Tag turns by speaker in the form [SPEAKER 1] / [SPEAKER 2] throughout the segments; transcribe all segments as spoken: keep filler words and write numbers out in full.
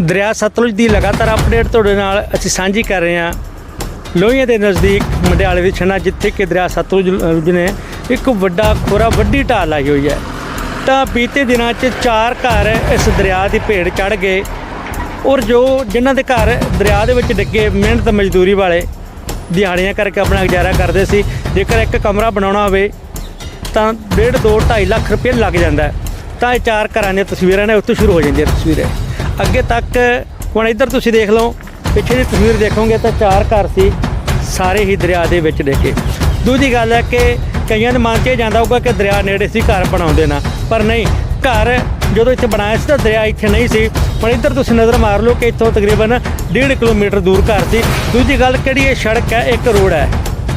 [SPEAKER 1] ਦਰਿਆ ਸਤਲੁਜ ਦੀ ਲਗਾਤਾਰ ਅਪਡੇਟ ਤੁਹਾਡੇ ਨਾਲ ਅਸੀਂ ਸਾਂਝੀ ਕਰ ਰਹੇ ਹਾਂ। ਲੋਹੀਆਂ ਦੇ ਨਜ਼ਦੀਕ ਮੰਡਿਆਲੇ ਦੀ ਛੰਨਾ, ਜਿੱਥੇ ਕਿ ਦਰਿਆ ਸਤਲੁਜ ਨੇ ਇੱਕ ਵੱਡਾ ਖੋਰਾ ਵੱਡੀ ਢਾਲ ਲਾਈ ਹੋਈ ਹੈ। ਤਾਂ ਬੀਤੇ ਦਿਨਾਂ 'ਚ ਚਾਰ ਘਰ ਇਸ ਦਰਿਆ ਦੀ ਭੇਟ ਚੜ੍ਹ ਗਏ ਔਰ ਜੋ ਜਿਨ੍ਹਾਂ ਦੇ ਘਰ ਦਰਿਆ ਦੇ ਵਿੱਚ ਡਿੱਗੇ, ਮਿਹਨਤ ਮਜ਼ਦੂਰੀ ਵਾਲੇ ਦਿਹਾੜੀਆਂ ਕਰਕੇ ਆਪਣਾ ਗੁਜ਼ਾਰਾ ਕਰਦੇ ਸੀ। ਜੇਕਰ ਇੱਕ ਕਮਰਾ ਬਣਾਉਣਾ ਹੋਵੇ ਤਾਂ ਡੇਢ ਦੋ ਢਾਈ ਲੱਖ ਰੁਪਏ ਲੱਗ ਜਾਂਦਾ। ਤਾਂ ਇਹ ਚਾਰ ਘਰਾਂ ਦੀਆਂ ਤਸਵੀਰਾਂ ਨੇ, ਉੱਥੋਂ ਸ਼ੁਰੂ ਹੋ ਜਾਂਦੀਆਂ ਤਸਵੀਰਾਂ ਅੱਗੇ ਤੱਕ। ਹੁਣ ਇੱਧਰ ਤੁਸੀਂ ਦੇਖ ਲਓ, ਪਿੱਛੇ ਦੀ ਤਸਵੀਰ ਦੇਖੋਗੇ ਤਾਂ ਚਾਰ ਘਰ ਸੀ, ਸਾਰੇ ਹੀ ਦਰਿਆ ਦੇ ਵਿੱਚ ਡਿੱਗੇ। ਦੂਜੀ ਗੱਲ ਹੈ ਕਿ ਕਈਆਂ ਦੇ ਮਨ 'ਚ ਇਹ ਜਾਂਦਾ ਹੋਊਗਾ ਕਿ ਦਰਿਆ ਨੇੜੇ ਸੀ, ਘਰ ਬਣਾਉਂਦੇ ਨਾ, ਪਰ ਨਹੀਂ। ਘਰ ਜਦੋਂ ਇੱਥੇ ਬਣਾਇਆ ਸੀ ਤਾਂ ਦਰਿਆ ਇੱਥੇ ਨਹੀਂ ਸੀ। ਹੁਣ ਇੱਧਰ ਤੁਸੀਂ ਨਜ਼ਰ ਮਾਰ ਲਓ ਕਿ ਇੱਥੋਂ ਤਕਰੀਬਨ ਡੇਢ ਕਿਲੋਮੀਟਰ ਦੂਰ ਘਰ ਸੀ। ਦੂਜੀ ਗੱਲ ਕਿਹੜੀ, ਇਹ ਸੜਕ ਹੈ, ਇੱਕ ਰੋਡ ਹੈ।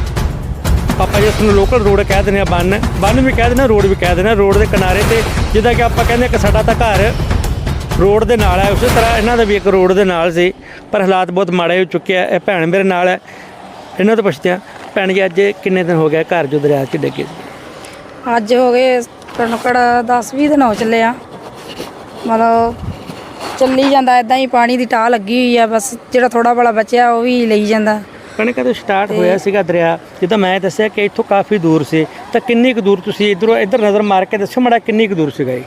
[SPEAKER 1] ਆਪਾਂ ਜਿਸ ਨੂੰ ਲੋਕਲ ਰੋਡ ਕਹਿ ਦਿੰਦੇ ਹਾਂ, ਬੰਨ ਬੰਨ ਵੀ ਕਹਿ ਦਿੰਦੇ, ਰੋਡ ਵੀ ਕਹਿ ਦਿੰਦੇ। ਰੋਡ ਦੇ ਕਿਨਾਰੇ 'ਤੇ ਜਿੱਦਾਂ ਕਿ ਆਪਾਂ ਕਹਿੰਦੇ ਕਿ ਸਾਡਾ ਤਾਂ ਘਰ ਰੋਡ ਦੇ ਨਾਲ ਹੈ, ਉਸੇ ਤਰ੍ਹਾਂ ਇਹਨਾਂ ਦਾ ਵੀ ਇੱਕ ਰੋਡ ਦੇ ਨਾਲ ਸੀ, ਪਰ ਹਾਲਾਤ ਬਹੁਤ ਮਾੜੇ ਹੋ ਚੁੱਕੇ ਆ। ਇਹ ਭੈਣ ਮੇਰੇ ਨਾਲ ਹੈ, ਇਹਨਾਂ ਤੋਂ ਪੁੱਛਦੇ ਹਾਂ। ਭੈਣ ਜੀ, ਅੱਜ ਕਿੰਨੇ ਦਿਨ ਹੋ ਗਿਆ ਘਰ ਜੋ ਦਰਿਆ 'ਚ ਡਿੱਗੇ ਸੀ?
[SPEAKER 2] ਅੱਜ ਹੋ ਗਏ ਕਣਕੜ ਦਸ ਵੀਹ ਦਿਨ ਹੋ ਚੱਲੇ ਆ। ਮਤਲਬ ਚੱਲੀ ਜਾਂਦਾ ਇੱਦਾਂ ਹੀ, ਪਾਣੀ ਦੀ ਟਾਹ ਲੱਗੀ ਹੋਈ ਆ। ਬਸ ਜਿਹੜਾ ਥੋੜਾ ਬੜਾ ਬਚਿਆ ਉਹ ਵੀ ਲਈ ਜਾਂਦਾ।
[SPEAKER 1] ਕਣਕ ਤੋਂ ਸਟਾਰਟ ਹੋਇਆ ਸੀਗਾ ਦਰਿਆ, ਜਿੱਦਾਂ ਮੈਂ ਦੱਸਿਆ ਕਿ ਇੱਥੋਂ ਕਾਫੀ ਦੂਰ ਸੀ, ਤਾਂ ਕਿੰਨੀ ਕੁ ਦੂਰ ਤੁਸੀਂ ਇੱਧਰੋਂ ਇੱਧਰ ਨਜ਼ਰ ਮਾਰ ਕੇ ਦੱਸੋ ਮਾੜਾ, ਕਿੰਨੀ ਕੁ ਦੂਰ ਸੀਗਾ?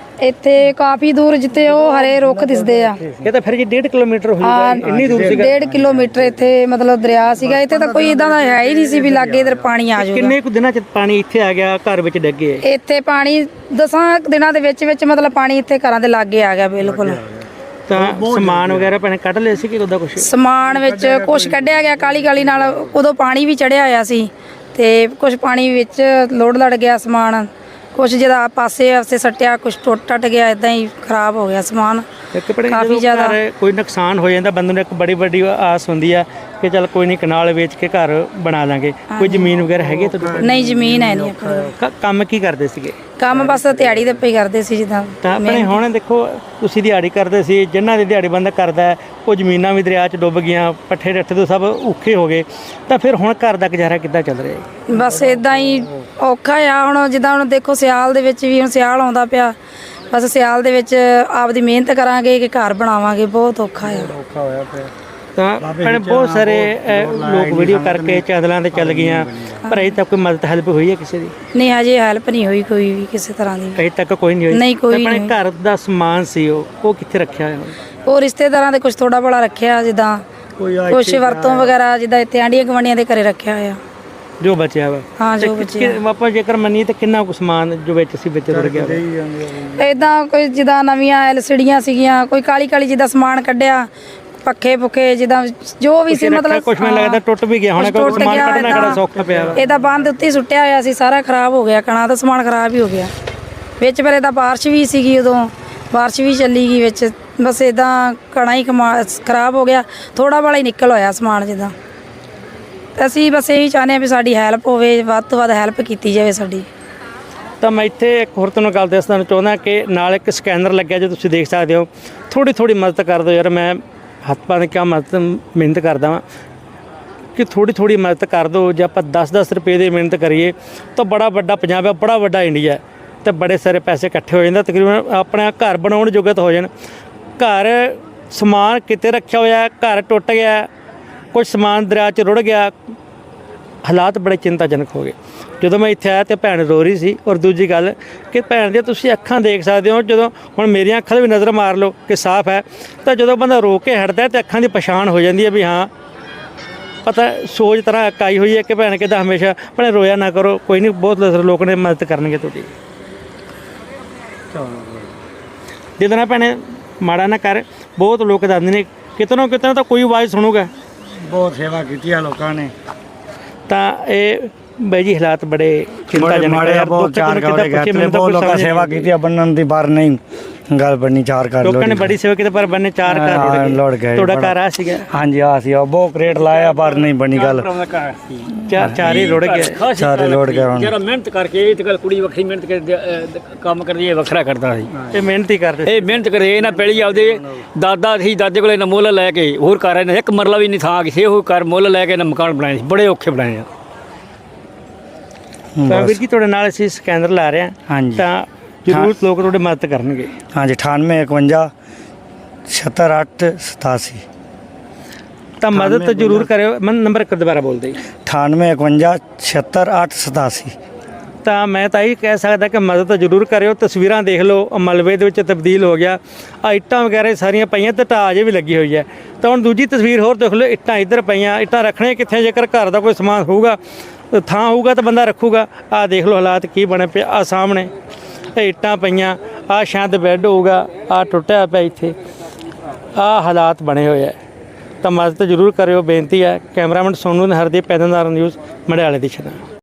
[SPEAKER 2] ਇੱਥੇ ਕਾਫੀ ਦੂਰ, ਜਿੱਥੇ ਉਹ ਹਰੇ ਰੁੱਖ ਦਿਸਦੇ ਆ।
[SPEAKER 1] ਇਹ ਤਾਂ ਫਿਰ ਜੀ ਡੇਢ ਕਿਲੋਮੀਟਰ ਹੋਊਗਾ, ਇੰਨੀ ਦੂਰ ਸੀਗਾ।
[SPEAKER 2] ਡੇਢ ਕਿਲੋਮੀਟਰ ਇੱਥੇ ਮਤਲਬ ਦਰਿਆ ਸੀਗਾ। ਇੱਥੇ ਤਾਂ ਕੋਈ ਇਦਾਂ ਦਾ ਹੈ ਹੀ ਨਹੀਂ ਸੀ ਵੀ ਲਾਗੇ ਇਧਰ ਪਾਣੀ ਆ ਜਾਊਗਾ।
[SPEAKER 1] ਕਿੰਨੇ ਕੁ ਦਿਨਾਂ 'ਚ ਪਾਣੀ ਇੱਥੇ ਆ ਗਿਆ, ਘਰ ਵਿੱਚ ਡਿੱਗੇ?
[SPEAKER 2] ਇੱਥੇ ਪਾਣੀ ਦਸਾਂ ਦਿਨਾਂ ਦੇ ਵਿੱਚ ਵਿੱਚ ਮਤਲਬ ਪਾਣੀ ਇੱਥੇ ਘਰਾਂ ਦੇ ਲਾਗੇ ਆ ਗਿਆ ਬਿਲਕੁਲ।
[SPEAKER 1] ਤਾਂ ਸਮਾਨ ਵਗੈਰਾ ਭੈਣੇ ਕੱਢ ਲਿਆ ਸੀ ਕਿ ਉਹਦਾ ਕੁਛ?
[SPEAKER 2] ਸਮਾਨ ਵਿੱਚ ਕੁਛ ਕੱਢਿਆ ਗਿਆ ਕਾਲੀ ਕਾਲੀ ਨਾਲ, ਉਦੋਂ ਪਾਣੀ ਵੀ ਚੜਿਆ ਹੋਇਆ ਸੀ ਤੇ ਕੁਛ ਪਾਣੀ ਵਿੱਚ ਲੋੜ ਲੜ ਗਿਆ ਸਮਾਨ। ਕੁਛ ਜਿਹਦਾ ਪਾਸੇ ਆਸੇ ਸੱਟਿਆ, ਕੁਛ ਟੁੱਟ ਟੱਟ ਗਿਆ, ਇਦਾਂ ਹੀ ਖਰਾਬ ਹੋ ਗਿਆ ਸਮਾਨ ਕਾਫੀ ਜ਼ਿਆਦਾ।
[SPEAKER 1] ਕੋਈ ਨੁਕਸਾਨ ਹੋ ਜਾਂਦਾ, ਬੰਦੇ ਨੂੰ ਇੱਕ ਬੜੀ ਵੱਡੀ ਆਸ ਹੁੰਦੀ ਆ ਕਿ ਚੱਲ ਕੋਈ ਨਹੀਂ, ਕਨਾਲ ਵੇਚ ਕੇ ਘਰ ਬਣਾ ਲਾਂਗੇ। ਕੋਈ ਜ਼ਮੀਨ ਵਗੈਰਾ ਹੈਗੀ ਤੁਹਾਡੇ?
[SPEAKER 2] ਨਹੀਂ, ਜ਼ਮੀਨ ਹੈ ਨਹੀਂ ਆਪਣੇ।
[SPEAKER 1] ਕੰਮ ਕੀ ਕਰਦੇ ਸੀਗੇ?
[SPEAKER 2] ਕੰਮ ਬਸ ਦਿਹਾੜੀ ਦੇ ਪਈ ਕਰਦੇ ਸੀ ਜਿੱਦਾਂ।
[SPEAKER 1] ਤਾਂ ਆਪਣੇ ਹੁਣ ਦੇਖੋ, ਤੁਸੀਂ ਦਿਹਾੜੀ ਕਰਦੇ ਸੀ, ਜਿਨ੍ਹਾਂ ਦੀ ਦਿਹਾੜੀ ਬੰਦਾ ਕਰਦਾ ਉਹ ਜ਼ਮੀਨਾਂ ਵੀ ਦਰਿਆ 'ਚ ਡੁੱਬ ਗਈਆਂ, ਪੱਠੇ ਡੱਠੇ ਤੋਂ ਸਭ ਔਖੇ ਹੋ ਗਏ। ਤਾਂ ਫਿਰ ਹੁਣ ਘਰ ਦਾ ਗੁਜ਼ਾਰਾ ਕਿੱਦਾਂ ਚੱਲ ਰਿਹਾ ਹੈ?
[SPEAKER 2] ਬਸ ਇਦਾਂ ਹੀ ਔਖਾ ਆ। ਹੁਣ ਜਿੱਦਾਂ ਹੁਣ ਦੇਖੋ ਸਿਆਲ ਦੇ ਵਿੱਚ ਵੀ, ਹੁਣ ਸਿਆਲ ਆਉਂਦਾ ਪਿਆ, ਬਸ ਸਿਆਲ ਦੇ ਵਿੱਚ ਆਪਦੀ ਮਿਹਨਤ ਕਰਾਂਗੇ ਕਿ ਘਰ ਬਣਾਵਾਂਗੇ। ਬਹੁਤ ਔਖਾ ਆ।
[SPEAKER 1] ਔਖਾ ਹੋਇਆ ਪਿਆ। ਤਾਂ ਭੈਣੇ ਬਹੁਤ ਸਾਰੇ ਲੋਕ ਵੀਡੀਓ ਕਰਕੇ ਚੈਨਲਾਂ 'ਤੇ ਚੱਲ ਗਈਆਂ, ਪਰ ਅਜੇ ਤੱਕ ਕੋਈ ਮਦਦ ਹੈਲਪ ਹੋਈ ਹੈ ਕਿਸੇ ਦੀ?
[SPEAKER 2] ਨਹੀਂ, ਹਜੇ ਹੈਲਪ ਨਹੀਂ ਹੋਈ ਕੋਈ ਵੀ ਕਿਸੇ ਤਰ੍ਹਾਂ ਦੀ।
[SPEAKER 1] ਅਜੇ ਤੱਕ ਕੋਈ ਨਹੀਂ ਹੋਈ?
[SPEAKER 2] ਨਹੀਂ, ਕੋਈ
[SPEAKER 1] ਆਪਣੇ ਘਰ ਦਾ ਸਮਾਨ ਸੀ ਉਹ ਉਹ ਕਿੱਥੇ ਰੱਖਿਆ ਹੋਇਆ?
[SPEAKER 2] ਉਹ ਰਿਸ਼ਤੇਦਾਰਾਂ ਦੇ ਕੁਝ ਥੋੜਾ ਬੜਾ ਰੱਖਿਆ, ਜਿੱਦਾਂ ਕੁਛ ਵਰਤੋਂ ਵਗੈਰਾ, ਜਿੱਦਾਂ ਇੱਥੇ ਆਂਢੀਆਂ ਗੁਆਂਢੀਆਂ ਦੇ ਘਰੇ ਰੱਖਿਆ ਹੋਇਆ
[SPEAKER 1] ਜੋ ਬਚਿਆ ਵਾ।
[SPEAKER 2] ਹਾਂ, ਜੋ ਬਚਿਆ।
[SPEAKER 1] ਆਪਾਂ ਜੇਕਰ ਮੰਨੀਏ ਤਾਂ ਕਿੰਨਾ ਕੁ ਸਮਾਨ ਜੋ ਵਿੱਚ ਸੀ ਵਿੱਚ ਰੁੜ ਗਿਆ?
[SPEAKER 2] ਇਦਾਂ ਕੋਈ ਜਿੱਦਾਂ ਨਵੀਆਂ ਐਲਸੀਡੀਆਂ ਸੀਗੀਆਂ, ਕੋਈ ਕਾਲੀ ਕਾਲੀ ਜਿੱਦਾਂ ਸਮਾਨ ਕੱਢਿਆ, ਪੱਖੇ ਪੁੱਖੇ ਜਿੱਦਾਂ ਜੋ ਵੀ ਸੀ, ਮਤਲਬ
[SPEAKER 1] ਕੁਝ ਮੈਨੂੰ ਲੱਗਦਾ ਟੁੱਟ ਵੀ ਗਿਆ ਹੋਣਾ। ਕੋਈ ਸਮਾਨ ਕੱਢਣਾ ਕਿਹੜਾ ਸੌਖਾ ਪਿਆ ਵਾ। ਇਹਦਾ
[SPEAKER 2] ਬੰਦ ਉੱਤੇ ਸੁੱਟਿਆ ਹੋਇਆ ਸੀ, ਸਾਰਾ ਖਰਾਬ ਹੋ ਗਿਆ। ਕਣਾ ਦਾ ਸਮਾਨ ਖਰਾਬ ਹੀ ਹੋ ਗਿਆ ਵਿੱਚ। ਫਿਰ ਇਹਦਾ ਬਾਰਿਸ਼ ਵੀ ਸੀਗੀ, ਉਦੋਂ ਬਾਰਿਸ਼ ਵੀ ਚੱਲੀ ਗਈ ਵਿੱਚ। ਬਸ ਇਦਾਂ ਕਣਾ ਹੀ ਖਰਾਬ ਹੋ ਗਿਆ, ਥੋੜਾ ਬੜਾ ਹੀ ਨਿਕਲ ਹੋਇਆ ਸਮਾਨ ਜਿੱਦਾਂ। ਅਸੀਂ ਬਸ ਇਹੀ ਚਾਹੁੰਦੇ ਹਾਂ ਵੀ ਸਾਡੀ ਹੈਲਪ ਹੋਵੇ, ਵੱਧ ਤੋਂ ਵੱਧ ਹੈਲਪ ਕੀਤੀ ਜਾਵੇ ਸਾਡੀ।
[SPEAKER 1] ਤਾਂ ਮੈਂ ਇੱਥੇ ਇੱਕ ਹੋਰ ਤੁਹਾਨੂੰ ਗੱਲ ਦੱਸਣਾ ਚਾਹੁੰਦਾ ਕਿ ਨਾਲ ਇੱਕ ਸਕੈਨਰ ਲੱਗਿਆ, ਜੋ ਤੁਸੀਂ ਦੇਖ ਸਕਦੇ ਹੋ। ਥੋੜ੍ਹੀ ਥੋੜ੍ਹੀ ਮਦਦ ਕਰ ਦਿਓ ਯਾਰ, ਮੈਂ ਹੱਥ ਪਾ ਕੇ ਕਿਆ ਮਦਦ ਮਿਹਨਤ ਕਰਦਾ ਵਾਂ ਕਿ ਥੋੜ੍ਹੀ ਥੋੜ੍ਹੀ ਮਦਦ ਕਰ ਦਿਓ। ਜੇ ਆਪਾਂ ਦਸ ਦਸ ਰੁਪਏ ਦੀ ਮਿਹਨਤ ਕਰੀਏ ਤਾਂ ਬੜਾ ਵੱਡਾ ਪੰਜਾਬ ਹੈ, ਬੜਾ ਵੱਡਾ ਇੰਡੀਆ, ਅਤੇ ਬੜੇ ਸਾਰੇ ਪੈਸੇ ਇਕੱਠੇ ਹੋ ਜਾਂਦੇ, ਤਕਰੀਬਨ ਆਪਣਾ ਘਰ ਬਣਾਉਣ ਜੋਗੇ ਤਾਂ ਹੋ ਜਾਣ। ਘਰ ਸਮਾਨ ਕਿਤੇ ਰੱਖਿਆ ਹੋਇਆ, ਘਰ ਟੁੱਟ ਗਿਆ, ਕੁਝ ਸਮਾਨ ਦਰਿਆ 'ਚ ਰੁੜ ਗਿਆ, ਹਾਲਾਤ ਬੜੇ ਚਿੰਤਾਜਨਕ ਹੋ ਗਏ। ਜਦੋਂ ਮੈਂ ਇੱਥੇ ਆਇਆ ਤਾਂ ਭੈਣ ਰੋ ਰਹੀ ਸੀ। ਔਰ ਦੂਜੀ ਗੱਲ ਕਿ ਭੈਣ ਦੀਆਂ ਤੁਸੀਂ ਅੱਖਾਂ ਦੇਖ ਸਕਦੇ ਹੋ, ਜਦੋਂ ਹੁਣ ਮੇਰੀਆਂ ਅੱਖਾਂ ਵੀ ਨਜ਼ਰ ਮਾਰ ਲਓ ਕਿ ਸਾਫ਼ ਹੈ, ਤਾਂ ਜਦੋਂ ਬੰਦਾ ਰੋ ਕੇ ਹਟਦਾ ਤਾਂ ਅੱਖਾਂ ਦੀ ਪਛਾਣ ਹੋ ਜਾਂਦੀ ਹੈ ਵੀ ਹਾਂ, ਪਤਾ ਸੋਚ ਤਰ੍ਹਾਂ ਇਕਾਈ ਹੋਈ ਹੈ ਕਿ ਭੈਣ ਕਿੱਦਾਂ ਹਮੇਸ਼ਾ ਭੈਣੇ ਰੋਇਆ ਨਾ ਕਰੋ, ਕੋਈ ਨਹੀਂ, ਬਹੁਤ ਲੋਕ ਨੇ ਮਦਦ ਕਰਨਗੇ ਤੁਹਾਡੀ। ਜਿੱਦਾਂ ਨਾ ਭੈਣੇ ਮਾੜਾ ਨਾ ਕਰ, ਬਹੁਤ ਲੋਕ ਦੱਸਦੇ ਨੇ ਕਿਤੇ ਨਾ ਕਿਤੇ ਤਾਂ ਕੋਈ ਆਵਾਜ਼ ਸੁਣੂਗਾ।
[SPEAKER 3] ਬਹੁਤ ਸੇਵਾ ਕੀਤੀ ਆ ਲੋਕਾਂ ਨੇ।
[SPEAKER 1] ਤਾਂ ਇਹ ਬਾਈ ਜੀ ਹਾਲਾਤ ਬੜੇ ਚਿੰਤਾਜਨਕ
[SPEAKER 3] ਆ। ਬਹੁਤ ਚਾਰ ਬਹੁਤ ਲੋਕਾਂ ਸੇਵਾ ਕੀਤੀ ਆ, ਬੰਨਣ ਦੀ ਬਾਹਰ ਨਹੀਂ ਗੱਲ ਬਣਨੀ। ਚਾਰ ਘਰ
[SPEAKER 1] ਲੋਕਾਂ ਨੇ ਬੜੀ ਸੇਵਾ ਕੀਤੀ, ਪਰ ਬੰਨੇ ਚਾਰ ਘਰ
[SPEAKER 3] ਲੋੜ ਗਏ।
[SPEAKER 1] ਤੁਹਾਡਾ ਘਰ ਆ ਸੀਗਾ?
[SPEAKER 3] ਹਾਂਜੀ, ਆ ਸੀ। ਬਹੁਤ ਰੇਟ ਲਾਇਆ ਪਰ ਨਹੀਂ ਬਣੀ ਗੱਲ,
[SPEAKER 1] ਚਾਰ ਚਾਰ ਹੀ ਰੁੜ ਗਏ,
[SPEAKER 3] ਚਾਰੇ ਲੋੜ ਗਏ। ਹੁਣ
[SPEAKER 4] ਜਿਹੜਾ ਮਿਹਨਤ ਕਰਕੇ ਇਹ ਤੇ ਗੱਲ ਕੁੜੀ ਵੱਖਰੀ ਮਿਹਨਤ ਕੇ ਕੰਮ ਕਰਦੀ ਹੈ, ਵੱਖਰਾ ਕਰਦਾ ਸੀ।
[SPEAKER 1] ਇਹ ਮਿਹਨਤ ਹੀ ਕਰਦੇ,
[SPEAKER 4] ਇਹ ਮਿਹਨਤ ਕਰੇ ਇਹ ਨਾ ਪਹਿਲੀ ਆਪਦੇ ਦਾਦਾ ਸੀ, ਦਾਦੇ ਕੋਲੇ ਨਾ ਮੁੱਲ ਲੈ ਕੇ ਹੋਰ ਘਰ ਨੇ ਇੱਕ ਮਰਲਾ ਵੀ ਨਹੀਂ ਥਾਂ ਕਿਸੇ ਹੋਰ ਘਰ ਮੁੱਲ ਲੈ ਕੇ ਨਾ ਮਕਾਨ ਬਣਾਏ ਸੀ, ਬੜੇ ਔਖੇ ਬਣਾਏ ਆ।
[SPEAKER 1] ਤਾਂ ਵੀਰ ਜੀ ਤੁਹਾਡੇ ਨਾਲ ਅਸੀਂ ਸਕੈਨਰ ਲਾ ਰਹੇ ਹਾਂ।
[SPEAKER 3] ਹਾਂਜੀ,
[SPEAKER 1] ਤਾਂ ਜ਼ਰੂਰ ਲੋਕ ਤੁਹਾਡੀ ਮਦਦ ਕਰਨਗੇ।
[SPEAKER 3] ਹਾਂਜੀ, ਅਠਾਨਵੇਂ ਇਕਵੰਜਾ छिहत्तर आठ सतासी
[SPEAKER 1] ਤਾਂ ਮਦਦ ਜ਼ਰੂਰ ਕਰਿਓ। ਮੈਂ ਨੰਬਰ ਇੱਕ ਦੁਬਾਰਾ ਬੋਲ ਦੇ।
[SPEAKER 3] अठानवे इकवंजा छिहत्तर आठ सतासी।
[SPEAKER 1] ਤਾਂ ਮੈਂ ਤਾਂ ਇਹ ਕਹਿ ਸਕਦਾ ਕਿ ਮਦਦ ਤਾਂ ਜ਼ਰੂਰ ਕਰਿਓ। ਤਸਵੀਰਾਂ ਦੇਖ ਲਓ, ਆਹ ਮਲਬੇ ਦੇ ਵਿੱਚ ਤਬਦੀਲ ਹੋ ਗਿਆ, ਆ ਇੱਟਾਂ ਵਗੈਰਾ ਸਾਰੀਆਂ ਪਈਆਂ ਤੇ ਢਾਹ ਅਜੇ ਵੀ ਲੱਗੀ ਹੋਈ ਹੈ। ਤਾਂ ਹੁਣ ਦੂਜੀ ਤਸਵੀਰ ਹੋਰ ਦੇਖ ਲਓ, ਇੱਟਾਂ ਇੱਧਰ ਪਈਆਂ, ਇੱਟਾਂ ਰੱਖਣੇ ਕਿੱਥੇ? ਜੇਕਰ ਘਰ ਦਾ ਕੋਈ ਸਮਾਨ ਹੋਊਗਾ, ਥਾਂ ਹੋਊਗਾ ਤਾਂ ਬੰਦਾ ਰੱਖੂਗਾ। ਆਹ ਦੇਖ ਲਓ ਹਾਲਾਤ ਕੀ ਬਣੇ ਪਏ। ਆ ਸਾਹਮਣੇ ਇਹ ਇੱਟਾਂ ਪਈਆਂ, ਆਹ ਸ਼ਾਇਦ ਬੈੱਡ ਹੋਊਗਾ, ਆਹ ਟੁੱਟਿਆ ਪਿਆ ਇੱਥੇ, ਆਹ ਹਾਲਾਤ ਬਣੇ ਹੋਏ ਹੈ। ਤਾਂ ਮਦਦ ਜ਼ਰੂਰ ਕਰਿਓ, ਬੇਨਤੀ ਹੈ। ਕੈਮਰਾਮੈਨ ਸੋਨੂ ਨੇ ਹਰਦੀਪ ਪੈਦਨਦਾਰ ਨਿਊਜ਼ ਮੰਡਿਆਲੇ ਦੀ ਛਣਾ।